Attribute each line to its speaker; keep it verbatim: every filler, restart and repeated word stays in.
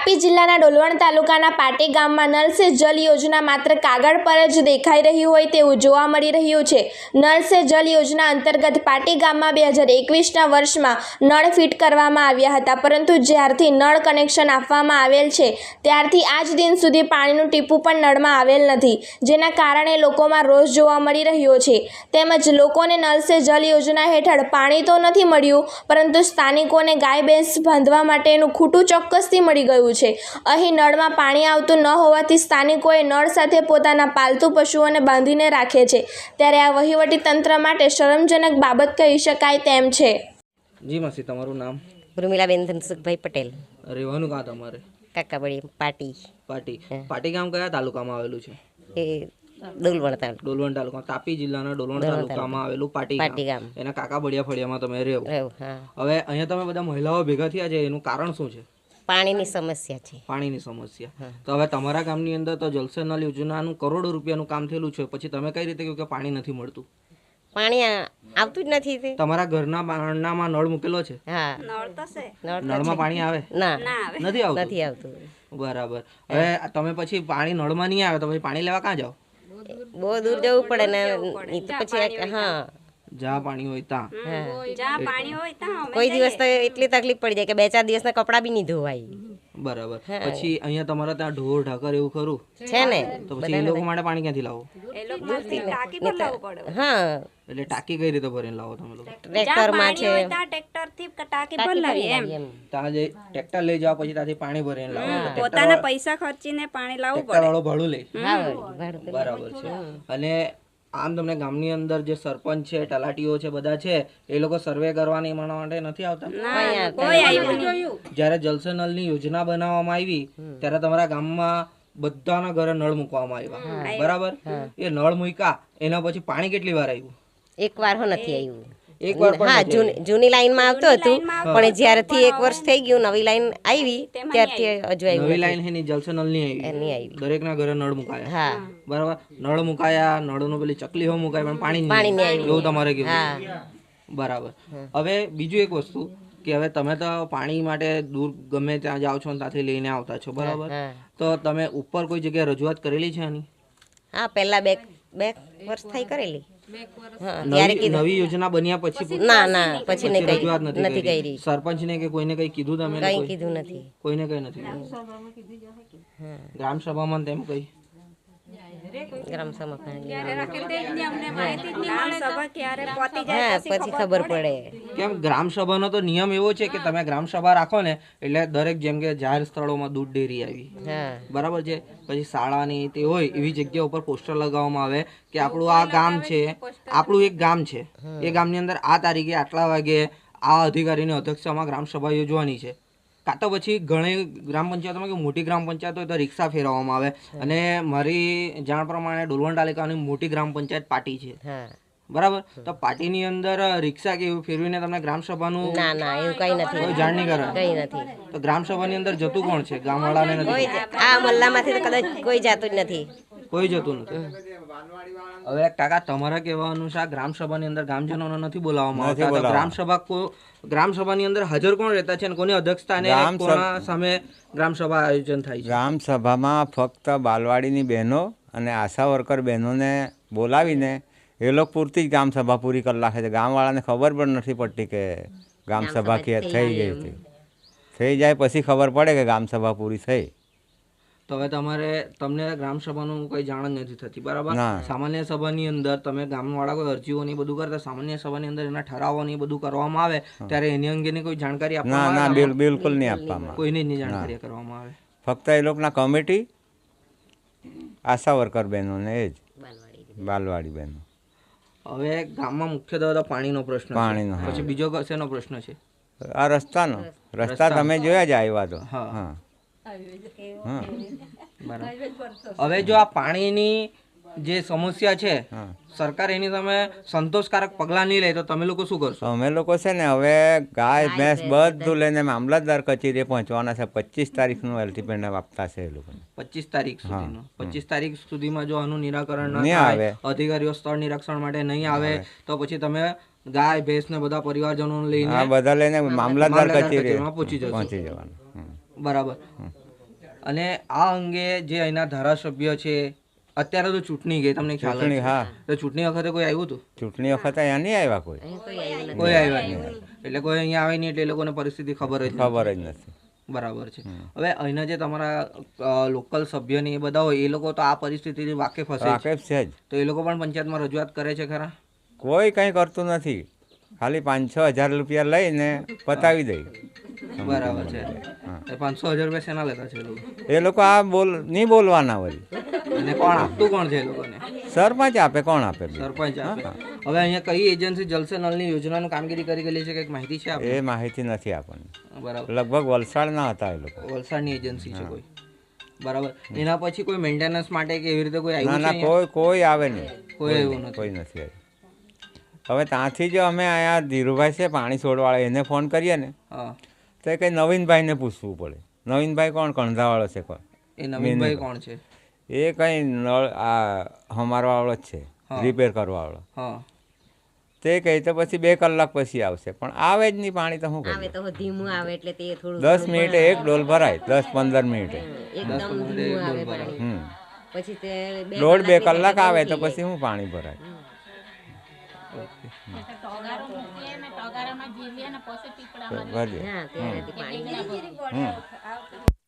Speaker 1: તાપી જિલ્લાના ડોલવણ તાલુકાના પાટી ગામમાં નળ સે જલ યોજના માત્ર કાગળ પર જ દેખાઈ રહી હોય તેવું જોવા મળી રહ્યું છે। નળ સે જલ યોજના અંતર્ગત પાટી ગામમાં બે હજાર એકવીસના વર્ષમાં નળ ફિટ કરવામાં આવ્યા હતા, પરંતુ જ્યારથી નળ કનેક્શન આપવામાં આવેલ છે ત્યારથી આજ દિન સુધી પાણીનું ટીપું પણ નળમાં આવેલ નથી, જેના કારણે લોકોમાં રોષ જોવા મળી રહ્યો છે। તેમજ લોકોને નળ સે જલ યોજના હેઠળ પાણી તો નથી મળ્યું, પરંતુ સ્થાનિકોને ગાય ભેંસ બાંધવા માટેનું ખૂટું ચોક્કસથી મળી ગયું છે। અહીં નળમાં પાણી આવતું ન હોવાથી સ્થાનિકોએ નળ સાથે પોતાના પાલતુ પશુઓને બાંધીને રાખે છે, ત્યારે આ વહીવટી તંત્ર માટે શરમજનક બાબત કહી શકાય તેમ છે।
Speaker 2: જી માસી, તમારું નામ?
Speaker 3: ઉર્મિલાબેન ધનસુખભાઈ પટેલ,
Speaker 2: રહેવાનું કાં તમારે?
Speaker 3: કાકાબળી પાટી।
Speaker 2: પાટી પાટી ગામ કયા તાલુકામાં આવેલું છે?
Speaker 3: એ ડોલવણ તાલુકો,
Speaker 2: ડોલવણ તાલુકા, તાપી જિલ્લાના ડોલવણ તાલુકામાં આવેલું પાટી
Speaker 3: પાટી
Speaker 2: ગામ,
Speaker 3: ગામ
Speaker 2: એના કાકા બળિયા ફળિયામાં તમે રહો।
Speaker 3: રહ્યું, હા।
Speaker 2: હવે અહીંયા તમે બધા મહિલાઓ ભેગા થયા છે, એનું કારણ શું છે?
Speaker 3: પાણીની સમસ્યા છે।
Speaker 2: પાણીની સમસ્યા। તો હવે તમારા ગામની અંદર તો જલ સે નલ યોજનાનું કરોડો રૂપિયાનું કામ થયેલું છે, પછી તમે કઈ રીતે કહ્યું કે પાણી નથી મળતું?
Speaker 3: પાણી આ- આવતું જ નથી તે।
Speaker 2: તમારા ઘરના બારણામાં નળ મૂકેલો છે?
Speaker 3: હા,
Speaker 4: નળ તો છે,
Speaker 3: નળ તો
Speaker 2: નળમાં
Speaker 3: છે।
Speaker 2: પાણી આવે?
Speaker 3: ના,
Speaker 2: નથી આવતું?
Speaker 3: નથી આવતું।
Speaker 2: બરાબર। હવે તમે પછી પાણી નળમાં નહીં આવે તો પછી પાણી લેવા ક્યાં જાઓ?
Speaker 3: બહુ દૂર જવું પડે ને, ઈ તો પછી હા
Speaker 2: જ્યાં પાણી હોય ત્યાં?
Speaker 3: હા।
Speaker 4: જ્યાં પાણી હોય ત્યાં અમે
Speaker 3: કોઈ દિવસ તો એટલી તકલીફ પડી જાય કે બે ચાર દિવસના કપડાં બી નહીં ધોવાય।
Speaker 2: બરાબર। પછી અહીંયા તમારા ત્યાં ઢોર ઢાકર એવું ખરું
Speaker 3: છે ને,
Speaker 2: તો પછી એ લોકો માટે પાણી ક્યાંથી લાવો?
Speaker 4: એ લોકો માંથી ટાંકી પર લાવવું પડે।
Speaker 3: હા,
Speaker 2: એટલે ટાંકી કઈ રીતે ભરીને લાવો તમે લોકો?
Speaker 3: ટ્રેક્ટરમાં છે,
Speaker 4: હોય ત્યાં ટ્રેક્ટર થી ટાંકી પર લાવીએ એમ,
Speaker 3: એમ
Speaker 2: ત્યાં જે ટ્રેક્ટર લઈ જાઓ પછી ત્યાંથી પાણી ભરીને લાવો? તો
Speaker 4: પોતાના પૈસા ખર્ચીને પાણી લાવવું
Speaker 2: ટ્રેક્ટર વાળો ભાડું લે?
Speaker 3: હા, ભાડું તો
Speaker 2: બરાબર છે। અને આમ તમને ગામની અંદર જે સરપંચ છે, તલાટીઓ છે, બધા છે, એ લોકો સર્વે કરવાની એના માટે નથી આવતા?
Speaker 4: ના, કોઈ આવ્યું નહીં।
Speaker 2: જ્યારે જલ સે નલની યોજના બનાવવામાં આવી ત્યારે તમારા ગામમાં બધાના ઘરે નળ મૂકવામાં આવ્યા, બરાબર? એ નળ મૂક્યા એના પછી પાણી કેટલી વાર આવ્યું?
Speaker 3: એક વાર હો નથી આવ્યું।
Speaker 2: એક વાર પણ
Speaker 3: હા,
Speaker 2: નથી
Speaker 3: જૂની જૂની લાઈનમાં આવતું હતું, પણ જ્યારથી એક વર્ષ થઈ ગયું નવી લાઈન આવી ત્યારથી હજુ આવ્યું
Speaker 2: નવી લાઈન હે ની જલ સે નલની આવી,
Speaker 3: નહીં આવી।
Speaker 2: દરેકના ઘરે નળ મુકાયા,
Speaker 3: હા,
Speaker 2: બરાબર? નળ મુકાયા, નળનું પેલી ચકલી હો મુકાય પણ પાણી
Speaker 3: પાણી
Speaker 2: નહીં
Speaker 3: નહીં
Speaker 2: આવ્યું, એવું તમારે કેવું?
Speaker 3: હા,
Speaker 2: બરાબર। હવે બીજું એક વસ્તુ કે હવે તમે તો પાણી માટે દૂર ગમે ત્યાં જાઓ છો ને ત્યાંથી લઈને આવતા છો, બરાબર?
Speaker 3: હા।
Speaker 2: તો તમે ઉપર કોઈ જગ્યાએ રજૂઆત કરેલી છે આની?
Speaker 3: હા, પહેલા બે બે વર્ષ થઈ કરેલી। હા, ત્યારે
Speaker 2: નવી
Speaker 3: કીધું
Speaker 2: નવી યોજના બન્યા પછી
Speaker 3: ના ના પછી નહીં કરી,
Speaker 2: રજૂઆત નથી
Speaker 3: નથી
Speaker 2: કરી?
Speaker 3: કરી,
Speaker 2: સરપંચને કે કોઈને કઈ કીધું તમે?
Speaker 3: કઈ કીધું નથી।
Speaker 2: કોઈને કઈ નથી કીધું? ગ્રામ સભામાં તેમ કઈ?
Speaker 3: ગ્રામ સભા
Speaker 4: ગ્રામ સભા ક્યારે પતી જાય
Speaker 3: હા, પછી ખબર પડે।
Speaker 2: કેમ ગ્રામ સભાનો તો નિયમ એવો છે કે તમે ગ્રામ સભા રાખો ને એટલે દરેક જેમ કે જાહેર સ્થળોમાં દૂધ ડેરી આવી,
Speaker 3: હા,
Speaker 2: બરાબર છે, પછી શાળાની તે હોય એવી જગ્યા ઉપર પોસ્ટર લગાવવામાં આવે કે આપણું આ ગામ છે, આપણું એક ગામ છે, એ ગામની અંદર આ તારીખે આટલા વાગે આ અધિકારીની અધ્યક્ષતામાં ગ્રામ સભા યોજવાની છે। કાં તો પછી ઘણી ગ્રામ પંચાયતોમાં કે મોટી ગ્રામ પંચાયત હોય તો રિક્ષા ફેરવવામાં આવે, અને મારી જાણ પ્રમાણે ડોલવણ તાલુકાની મોટી ગ્રામ પંચાયત પાટી છે,
Speaker 3: હા।
Speaker 2: બરાબર? તો પાટીની અંદર રિક્ષા કે એવું ફેરવીને તમને ગ્રામ સભાનું
Speaker 3: ના ના એવું કઈ નથી,
Speaker 2: કોઈ જાણ નહીં કરે?
Speaker 3: કઈ નથી।
Speaker 2: તો ગ્રામ સભાની અંદર જતું કોણ છે? ગામવાળાને નથી?
Speaker 3: કોઈ જ- આ મલ્લામાંથી તો કદાચ કોઈ જાતું જ નથી।
Speaker 2: કોઈ જતું નથી। હવે કાકા, તમારા કહેવા અનુસાર ગ્રામ સભાની અંદર ગામજનોને નથી બોલાવવામાં આવતા, તો ગ્રામ સભા કો ગ્રામ સભાની અંદર હાજર કોણ રહેતા છે અને કોની અધ્યક્ષતાને કોના સામે ગ્રામ સભા આયોજન થાય છે?
Speaker 5: ગ્રામ સભામાં ફક્ત બાલવાડીની બહેનો અને આશા વર્કર બહેનોને બોલાવીને એ લોકો પૂરતી જ ગ્રામ સભા પૂરી કરી નાખે છે। ગામવાળાને ખબર પણ નથી પડતી કે ગ્રામ સભા કે થઈ ગઈ હતી, થઈ જાય પછી ખબર પડે કે ગ્રામ સભા પૂરી થઈ।
Speaker 2: તો હવે તમારે તમને ગ્રામ સભાનું કોઈ જાણ જ નથી થતી, બરાબર?
Speaker 5: ના।
Speaker 2: સામાન્ય સભાની અંદર તમે ગામવાળા કોઈ અરજીઓ ને એ બધું કરતા, સામાન્ય સભાની અંદર એના ઠરાવો ને એ બધું કરવામાં આવે ત્યારે એની અંગેની કોઈ જાણકારી
Speaker 5: ના
Speaker 2: આપવામાં
Speaker 5: ના
Speaker 2: આવે?
Speaker 5: બિલ બિલકુલ નહીં આપવામાં,
Speaker 2: કોઈને જ નહીં જાણકારી કરવામાં આવે?
Speaker 5: ફક્ત એ લોકોના કમિટી, આશા વર્કર બહેનોને એ જ, બાલવાડી બહેનો।
Speaker 2: હવે ગામમાં મુખ્યત્વે તો પાણીનો પ્રશ્ન છે,
Speaker 5: પાણીનો, હા।
Speaker 2: પછી બીજો શેનો પ્રશ્ન છે?
Speaker 5: આ રસ્તાનો, રસ્તા તમે જોયા જ આવ્યા તો,
Speaker 2: હા
Speaker 5: હા હા,
Speaker 2: બરાબર। હવે જો આ પાણીની જે સમસ્યા છે,
Speaker 5: હા।
Speaker 2: સરકાર એની તમે સંતોષકારક પગલાં નહીં લે તો તમે લોકો શું કરશો?
Speaker 5: અમે લોકો છે ને હવે ગાય ભેંસ બધું લઈને મામલતદાર કચેરીએ પહોંચવાના છે। પચીસ તારીખનું એલ્ટિમેન્ટ આપતા છે એ લોકોને,
Speaker 2: પચીસ તારીખ સુધીનો। પચીસ તારીખ સુધીમાં જો આનું નિરાકરણ ન
Speaker 5: નહીં
Speaker 2: થાય,
Speaker 5: આવે,
Speaker 2: અધિકારીઓ સ્થળ નિરીક્ષણ માટે નહીં આવે તો પછી તમે ગાય ભેંસ ને બધા પરિવારજનો લઈને
Speaker 5: આ બધા લઈને મામલતદાર કચેરીએ
Speaker 2: પહોંચી જશો,
Speaker 5: પહોંચી જવાનું।
Speaker 2: બરાબર? અને આ અંગે જે અહીંના ધારાસભ્ય છે, અત્યારે તો ચૂંટણી ગઈ, તમને ખ્યાલ
Speaker 5: ચૂંટણી,
Speaker 2: હશે.
Speaker 5: હા.
Speaker 2: તો ચૂંટણી વખતે કોઈ આવ્યું હતું?
Speaker 5: ચૂંટણી વખતે અહીંયા નહીં આવ્યા કોઈ,
Speaker 2: કોઈ આવ્યા નહીં. એટલે કોઈ અહીંયા આવે નહીં એટલે એ લોકોને પરિસ્થિતિ ખબર જ નથી.
Speaker 5: ખબર જ નથી.
Speaker 2: બરાબર છે. હવે અહીંના જે તમારા લોકલ સભ્ય ને એ બધા હોય એ લોકો તો આ પરિસ્થિતિથી વાકેફ હશે જ.
Speaker 5: વાકેફ છે જ.
Speaker 2: તો એ લોકો પણ પંચાયતમાં રજૂઆત કરે છે ખરા?
Speaker 5: કોઈ કંઈ કરતું નથી, ખાલી પાંચ છ હજાર રૂપિયા લઈને પતાવી દઈ.
Speaker 2: બરાબર છે. એ પાંચસો હજાર રૂપિયા શેના લેતા છે એ લોકો?
Speaker 5: એ લોકો આ બોલ નહીં બોલવાના વળી.
Speaker 2: અને કોણ આપતું કોણ છે એ લોકોને?
Speaker 5: સરપંચ આપે, કોણ આપે?
Speaker 2: સરપંચ આપે. હવે અહીંયા કઈ એજન્સી જલ સે નલની યોજનાનું કામગીરી કરી ગયેલી છે, કંઈક માહિતી છે આપણે?
Speaker 5: એ માહિતી નથી આપણને.
Speaker 2: બરાબર.
Speaker 5: લગભગ વલસાડના હતા એ લોકો.
Speaker 2: વલસાડની એજન્સી છે કોઈ? બરાબર. એના પછી કોઈ મેન્ટેનન્સ માટે કે એવી રીતે કોઈ
Speaker 5: ના
Speaker 2: આવ્યું
Speaker 5: ના,
Speaker 2: છે?
Speaker 5: કોઈ કોઈ આવે નહીં.
Speaker 2: કોઈ આવ્યું નથી.
Speaker 5: કોઈ નથી આવ્યું. હવે ત્યાંથી જો અમે અહીંયા ધીરુભાઈ છે પાણી છોડવાળા, એને ફોન કરીએ ને
Speaker 2: હા.
Speaker 5: તો એ કંઈ નવીનભાઈને પૂછવું પડે. નવીનભાઈ કોણ? કણધાવાળો છે કોણ?
Speaker 2: એ નવીનભાઈ કોણ છે?
Speaker 5: એ કંઈ નળ આ હમારવાળો જ છે, રિપેર કરવાવાળો.
Speaker 2: હા.
Speaker 5: તે કહે તો પછી બે કલાક પછી આવશે, પણ આવે જ નહીં પાણી. તો શું
Speaker 3: આવે
Speaker 5: કરીએ?
Speaker 3: તો ધીમું આવે એટલે તે થોડું
Speaker 5: દસ મિનિટે એક ડોલ ભરાય, દસ પંદર મિનિટે.
Speaker 3: એકદમ ધીમું આવે પાણી.
Speaker 5: હમ
Speaker 3: પછી તે બે
Speaker 5: દોઢ બે
Speaker 3: કલાકની
Speaker 5: કલાક આવે તો
Speaker 3: થઈ જાય.
Speaker 5: પછી શું પાણી ભરાય? ભરીએ.
Speaker 3: હા, ત્યારેથી પાણી
Speaker 5: હમ